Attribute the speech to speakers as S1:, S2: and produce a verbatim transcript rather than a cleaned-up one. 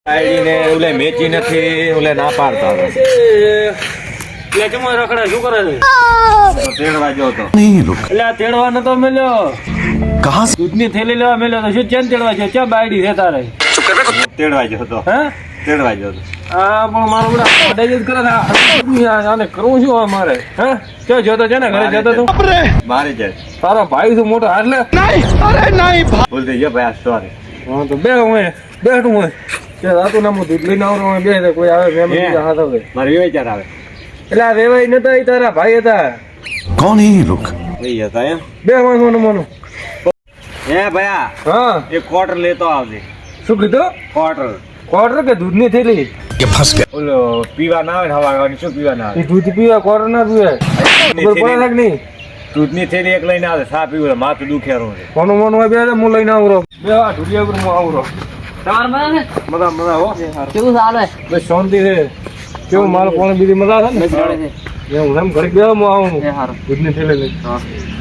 S1: ID ને ઓલે મેચી નથી ઓલે ના પાડતા
S2: એટલે કેમ રખડા શું કરે છે?
S1: તેડવા ગયો હતો
S2: એટલે આ તેડવા નતો મેલ્યો
S3: कहाँ से
S2: દૂધની થેલી લેવા મેલ્યો તો શું ચેન તેડવા ગયો ક્યાં બાયડી રહેતા રહે
S1: તેડવા ગયો હતો
S2: હે
S1: તેડવા ગયો હતો
S2: આ પણ મારું બધા અડાઈ જ કરે છે. આ- આને કરવું શું હવે મારે હે ક્યાં જતો છે ને ઘરે જતો તું
S1: મારી જાય
S2: તારો ભાઈ શું મોટો હાથ લે
S1: ભૂલ થઈ ગયો ભાઈ સોરી
S2: હા તો બે હું બેઠું હોય કે રાતું નામું દૂધ લઈને આવરો બે કોઈ આવે મેમ
S1: હે.
S2: હાથ આવે
S1: મારે વિચાર આવે
S2: એટલે આ વેવાઈ નતા એ તારા ભાઈ હતા
S3: कौन है ये लोग
S1: લઈ જતા એમ
S2: બે માનું માનું
S1: હે ભયા
S2: હા
S1: એક ક્વાર્ટર લેતો આવજે
S2: શું કીધું
S1: ક્વાર્ટર
S2: ક્વાર્ટર કે દૂધની થેલી
S3: ये ફંસ गया
S1: ઓલો પીવા ના આવે ને હવા ખાવાની શું પીવા ના આવે
S2: એ દૂધ પીવા ક્વાર્ટર ના પીવે ખબર પડે છે કે નહીં
S1: દૂધની થેલી એક લઈને આવે સા પીવું માથું દુખેરું છે
S2: કોનું મન હોય બે હું લઈને આવરો બે આ ઢુલિયા ઉપર હું આવરો
S4: તમાર મજા ને
S2: મજા મજા હો
S4: કેવું ચાલે
S2: બસ શાંતિ છે કેવું માલ પોણે બીજી મજા છે ને
S4: જોડે છે
S2: એવું એમ ઘડીક બે હું આવું
S4: એ હારું
S2: દૂધની થેલી લઈ
S4: હા